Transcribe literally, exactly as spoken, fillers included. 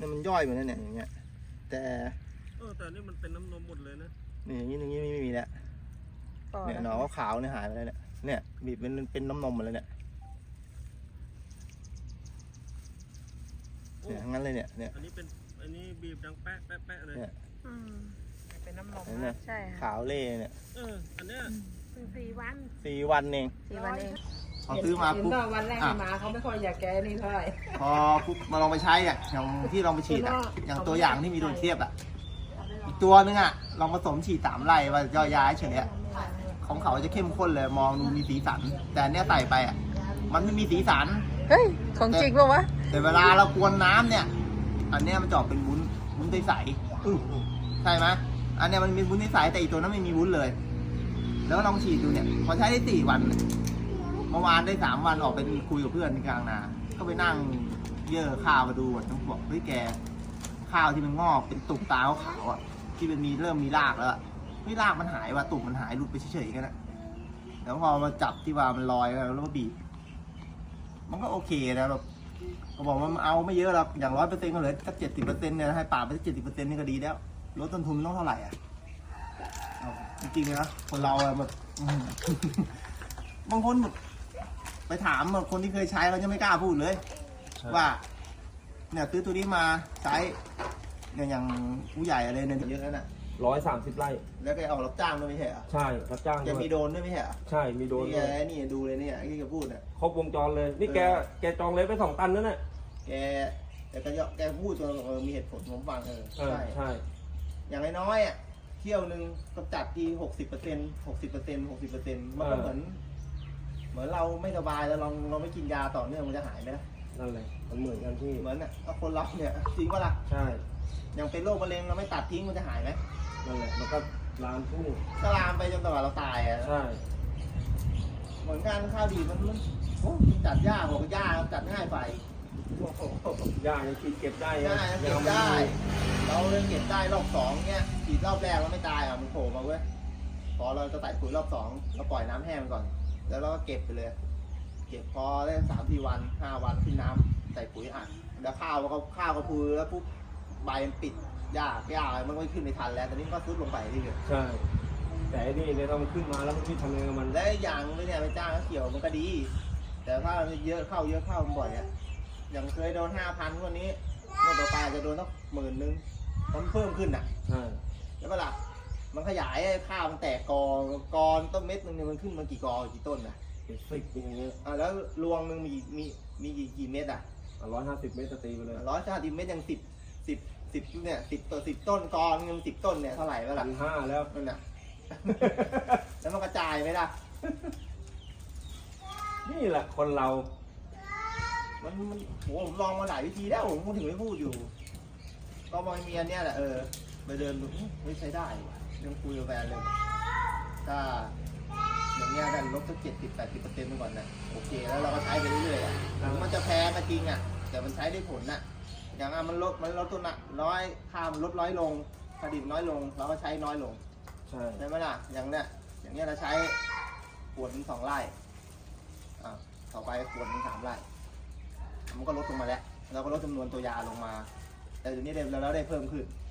เนี่ยมันย่อยเหมือนนั่นเนี่ยอย่างเงี้ยแต่เออแต่นี่มันเป็นน้ำนมหมดเลยนะนี่อย่างนี้อย่างนี้ไม่มีแล้วเนี่ยหนอนขาวเนี่ยหายไปแล้วเนี่ยเนี่ยบีบเป็นเป็นน้ำนมหมดเลยเนี่ยเนี่ยงั้นเลยเนี่ยเนี่ยอันนี้เป็นอันนี้บีบดังแป๊ะแป๊ะแป๊ะเลยเนี่ยเป็นน้ำนมใช่ขาวเล่เนี่ยเอออันเนี้ยสี่วันสี่วันเองสี่วันเองพอซื้อมาปุ๊บวันแรกมาเขาไม่ค่อยอยากแกนี่เท่าไหร่พอปุ๊บมาลองไปใช้อ่ะอย่างที่ลองไปฉีดอ่ะอย่างตัวอย่างที่มีโดนเทียบอ่ะอีกตัวนึงอ่ะลองผสมฉีดสามไร่ว่าย่อยย้ายเฉยๆของเขาจะเข้มข้นเลยมองดูมีสีสันแต่เนี้ยใส่ไปอ่ะมันไม่มีสีสันเฮ้ยของจริงป่าวะแต่เวลาเรากวนน้ำเนี่ยอันเนี้ยมันจะออกเป็นวุ้นวุ้นใสๆใช่ไหมอันเนี้ยมันมีวุ้นใสแต่อีกตัวนั้นไม่มีวุ้นเลยแล้วลองฉีดดูเนี่ยพอใช้ได้สี่วันเมื่อวานได้สามวันออกไปคุยกับเพื่อนที่กลางนาก็ไปนั่งเยื่อข้าวมาดูต้องบอกเฮ้ยแกข้าวที่มันงอกเป็นตุ่มตาขาวอ่ะที่มันมีเริ่มมีรากแล้วไม่รากมันหายว่ะตุ่มมันหายหลุดไปเฉยๆกันนะแล้วพอมาจับที่ว่ามันลอยแล้วแล้วก็บีบมันก็โอเคนะแบบเขาบอกว่ามันเอาไม่เยอะหรอกอย่างร้อยเปอร์เซ็นต์ก็เหลือสักเจ็ดสิบเปอร์เซ็นต์เนี่ยให้ป่าไปสักเจ็ดสิบเปอร์เซ็นต์นี่ก็ดีแล้วลดต้นทุนต้องเท่าไหร่อ่ะจริงๆนะคนเราแบบบางคนไปถามคนที่เคยใช้เขาจะไม่กล้าพูดเลยว่าเนี่ยซื้อตัวนี้มาใช้เนี่ยอย่างผู้ใหญ่อะไรเนี่ยเยอะแล้วน่ะร้อยสามสิบไร่แล้วแกออกรับจ้างด้วยไม่ใช่เหรอใช่รับจ้างจะมีโดนด้วยไม่ใช่เหรอใช่มีโดนนี่นี่ดูเลยเนี่ยที่แกพูดเนี่ยครบวงจรเลยนี่แกแกจองเลยไปสองตันนั่นแหละแกแต่แกแกพูดจนเออมีเหตุผลผมฟังเออใช่ใช่อย่างน้อยอ่ะเที่ยวหนึ่งกำจัดทีหกสิบเปอร์เซ็นต์หกสิบเปอร์เซ็นต์หกสิบเปอร์เซ็นต์มันก็เหมือนเหมือนเราไม่สบายแล้วลองเราไม่กินยาต่อเนื่องมันจะหายไหมล่ะนั่นแหละมันเหมือนกันที่เหมือนอ่ะก็คนเราเนี่ยจริงป่ะล่ะใช่อย่างเป็นโรคมะเร็งเราไม่ตัดทิ้งมันจะหายไหมนั่นแหละมันก็ลามทุ่งก็ลามไปจนตลอดเราตายอ่ะใช่เหมือนกันข้าวดีมันมันโอ้จัดยากบอกยากจัดง่ายไปยากยังฉีดเก็บได้ง่ายเก็บได้เราเล่นเก็บได้รอบสองเนี้ยฉีดรอบแรกเราไม่ตายอ่ะมันโผล่มาเว้ยพอเราจะใส่ปุ๋ยรอบสองเราปล่อยน้ำแห้งก่อนแล้วเราก็เก็บไปเลยเก็บพอได้สามสี่วันห้าวันขึ้นน้ำใส่ปุ๋ยอัดแล้วข้าวก็ข้าวก็พูแล้วปุ๊บใบมันปิดหญ้าหญ้ามันไม่ขึ้นไม่ทันแล้วตอนนี้ก็ซุดลงไปที่เดียวใช่แต่อันนี้เนี่ยเรามันขึ้นมาแล้วมันที่ทำยังไงมันและอย่างไม่เนี่ยไปจ้างเกี่ยวมันก็ดีแต่ถ้าเยอะเข้าเยอะเข้าบ่อยอ่ะอย่างเคยโดนห้าพันวันนี้เมื่อต่อไปจะโดนสักหมื่นนึงมันเพิ่มขึ้นอ่ะใช่แล้วก็ล่ะมันขยายข้าวมันแตกกอกอต้นเม็ดนึงเนี่ยมันขึ้นมากี่กอกี่ต้นนะเป็นสิบอย่างเงี้ยอ่าแล้วรวงนึงมีมีมีกี่กี่เม็ดอ่ะร้อยห้าสิบเมตรตีไปเลยร้อยห้าสิบเม็ดยังสิบสิบสิบเนี่ยสิบตัวสิบต้นกอนึงสิบต้นเนี่ยเท่าไหร่แล้วล่ะพันห้าแล้วนั่นน่ะแล้วมันกระจายไหมล่ะนี่แหละคนเรามันมันโหผมลองมาหลายวิธีแล้วผมถึงไม่พูดอยู่ก็มองเมียเนี่ยแหละเออไปเดินดูไม่ใช้ได้ยังคุยกับแฟนเลยถ้าอย่างเงี้ยกันลบสักเจ็ดสิบแปดสิบเปอร์เซ็นต์ไปก่อนนะโอเคแล้วเราก็ใช้ไปเรื่อยๆอ่ะมันจะแพ้ก็จริงอ่ะแต่มันใช้ได้ผลน่ะอย่างอ่ะมันลดมันลดตัวน่ะน้อยค่ามันลดน้อยลงผลิตน้อยลงเราก็ใช้น้อยลงใช่ใช่ไหมล่ะอย่างเนี้ยอย่างเงี้ยเราใช้ขวดนึงสองไร่อ่าต่อไปขวดนึงสามไร่มันก็ลดลงมาแล้วเราก็ลดจำนวนตัวยาลงมาแต่เดี๋ยวนี้เราได้เพิ่มขึ้น